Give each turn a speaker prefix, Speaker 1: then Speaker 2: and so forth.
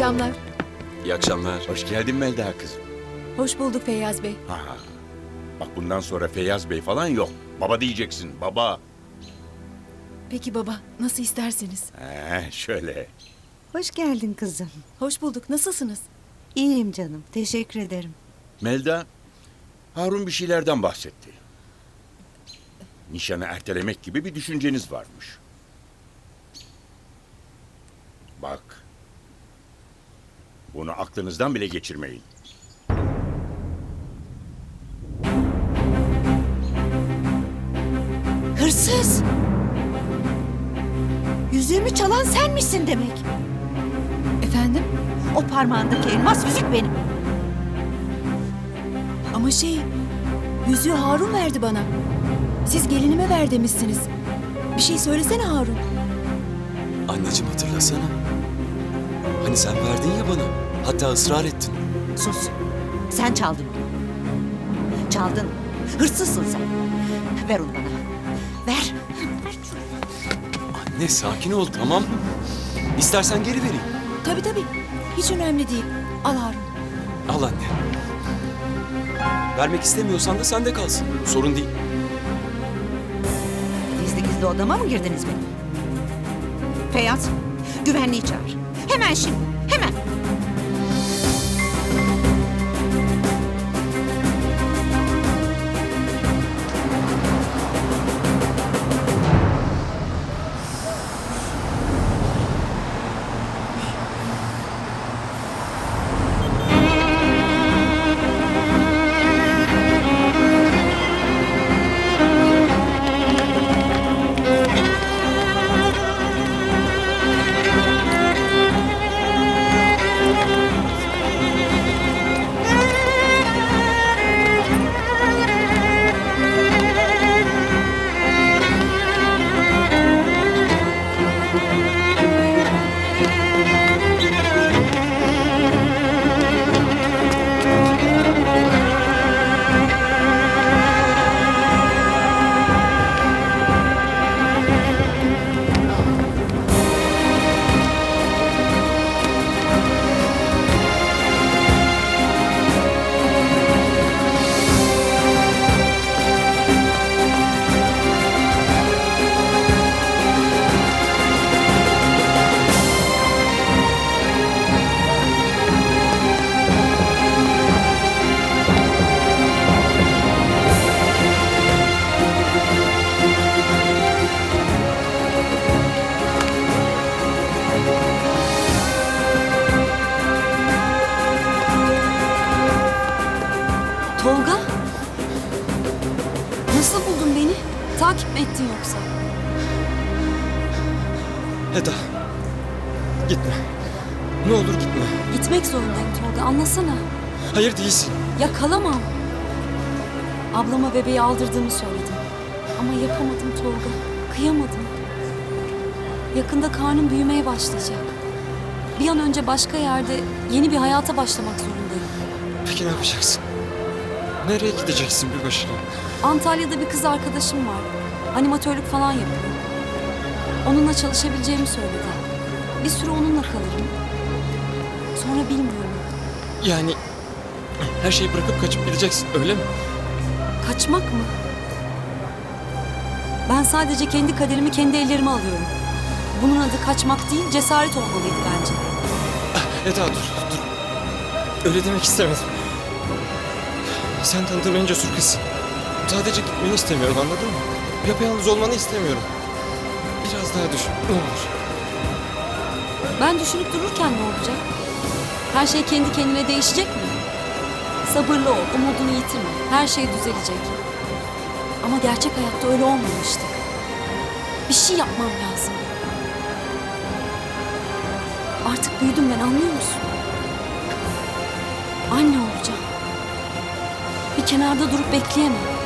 Speaker 1: akşamlar.
Speaker 2: İyi akşamlar.
Speaker 3: Hoş geldin Melda kızım.
Speaker 1: Hoş bulduk Feyyaz Bey.
Speaker 3: Ha. Bak bundan sonra Feyyaz Bey falan yok. Baba diyeceksin, baba.
Speaker 1: Peki baba, nasıl isterseniz.
Speaker 3: Şöyle.
Speaker 4: Hoş geldin kızım.
Speaker 1: Hoş bulduk, nasılsınız?
Speaker 4: İyiyim canım. Teşekkür ederim.
Speaker 3: Melda, Harun bir şeylerden bahsetti. Nişanı ertelemek gibi bir düşünceniz varmış. Bak. Bunu aklınızdan bile geçirmeyin.
Speaker 4: Hırsız! Yüzüğümü çalan sen misin demek?
Speaker 1: Efendim?
Speaker 4: O parmağındaki elmas yüzük benim.
Speaker 1: Ama yüzüğü Harun verdi bana. Siz gelinime ver demişsiniz. Bir şey söylesene Harun.
Speaker 2: Anneciğim hatırlasana. Hani sen verdin ya bana. Hatta ısrar ettin.
Speaker 4: Sus. Sen çaldın onu. Çaldın. Hırsızsın sen. Ver onu bana. Ver.
Speaker 2: Anne sakin ol tamam. İstersen geri vereyim.
Speaker 1: Tabii. Hiç önemli değil. Al Harun.
Speaker 2: Al anne. Vermek istemiyorsan da sende kalsın. Sorun değil.
Speaker 4: Gizli gizli odama mı girdiniz benim? Feyyaz, güvenliği çağır. Hemen şimdi. Hemen.
Speaker 1: Tolga? Nasıl buldun beni? Takip mi ettin yoksa?
Speaker 2: Eda. Gitme. Ne olur gitme.
Speaker 1: Gitmek zorundayım Tolga, anlasana.
Speaker 2: Hayır değilsin.
Speaker 1: Ya kalamam. Ablama bebeği aldırdığımı söyledim. Ama yapamadım Tolga. Kıyamadım. Yakında karnım büyümeye başlayacak. Bir an önce başka yerde yeni bir hayata başlamak zorundayım.
Speaker 2: Peki ne yapacaksın? Nereye gideceksin bir başına?
Speaker 1: Antalya'da bir kız arkadaşım var. Animatörlük falan yapıyor. Onunla çalışabileceğimi söyledi. Bir süre onunla kalırım. Sonra bilmiyorum.
Speaker 2: Yani her şeyi bırakıp kaçıp gideceksin öyle mi?
Speaker 1: Kaçmak mı? Ben sadece kendi kaderimi kendi ellerime alıyorum. Bunun adı kaçmak değil, cesaret olmalıydı bence.
Speaker 2: Eda dur. Öyle demek istemedim. Sen tanıdığım en cesur kızsın. Sadece gitmeni istemiyorum anladın mı? Yapayalnız olmanı istemiyorum. Biraz daha düşün ne olur.
Speaker 1: Ben düşünüp dururken ne olacak? Her şey kendi kendine değişecek mi? Sabırlı ol, umudunu yitirme. Her şey düzelecek. Ama gerçek hayatta öyle olmuyor işte. Bir şey yapmam lazım. Artık büyüdüm ben, anlıyor musun? Anne olacağım. Bir kenarda durup bekleyemem.